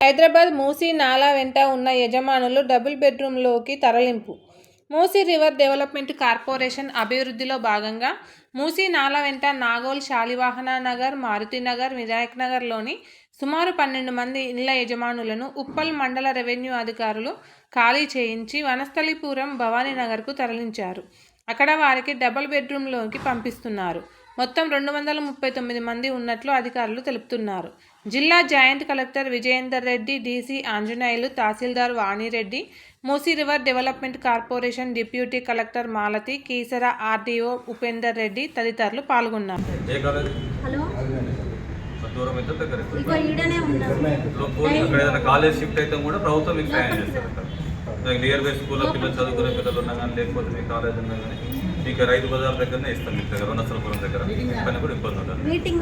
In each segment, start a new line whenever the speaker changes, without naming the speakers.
హైదరాబాద్ మూసీ నాలా వెంట ఉన్న యజమానులు డబుల్ బెడ్రూమ్లోకి తరలింపు. మూసీ రివర్ డెవలప్మెంట్ కార్పొరేషన్ అభివృద్ధిలో భాగంగా మూసీ నాలా వెంట నాగోల్, శాలివాహన నగర్, మారుతినగర్, వినాయక్ నగర్లోని సుమారు 12 మంది ఇళ్ల యజమానులను ఉప్పల్ మండల రెవెన్యూ అధికారులు ఖాళీ చేయించి వనస్థలిపురం, భవానీనగర్కు తరలించారు. అక్కడ వారికి డబుల్ బెడ్రూమ్లోకి పంపిస్తున్నారు. మొత్తం 239 మంది ఉన్నట్లు అధికారులు తెలుపుతున్నారు. జిల్లా joint collector Vijayender Reddy, DC Anjaneyulu, తహసీల్దార్ Vani Reddy, Musi river development corporation deputy collector Malathi, Keesara RDO Upender Reddy తదితరులు పాల్గొన్నారు.
నియర్ బై స్కూల్లో పిల్లలు చదువుకునే పిల్లలు ఉన్నా కానీ లేకపోతే మీ కాలేజ్ ఉన్నా కానీ మీకు రైతు బజార్ దగ్గరనే ఇస్తాం. మీకు దగ్గర వనస్థలపురం దగ్గర పైన కూడా ఇబ్బంది ఉంటుంది.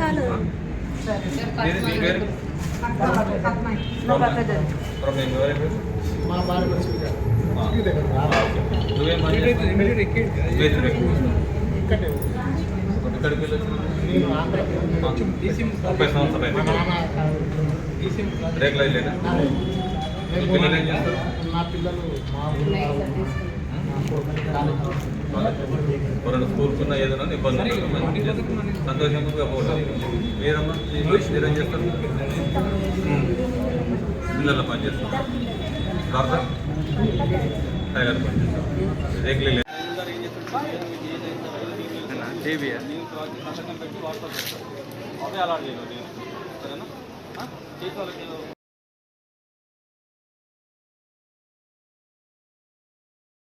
ఇక్కడికి 30 సంవత్సరాలు రేకులు అయినా పిల్లలు ఏం చేస్తారు? ఎవరైనా స్కూల్కున్న ఏదైనా ఇబ్బంది సంతోషంగా పోతుంది. మీరమ్మా మీరేం చేస్తారు? పిల్లల్లో పనిచేస్తారు. టైలర్ పనిచేస్తారు. రేకులు అవే అలాట్ చేయాలి. సరేనా? చేసి వాళ్ళకి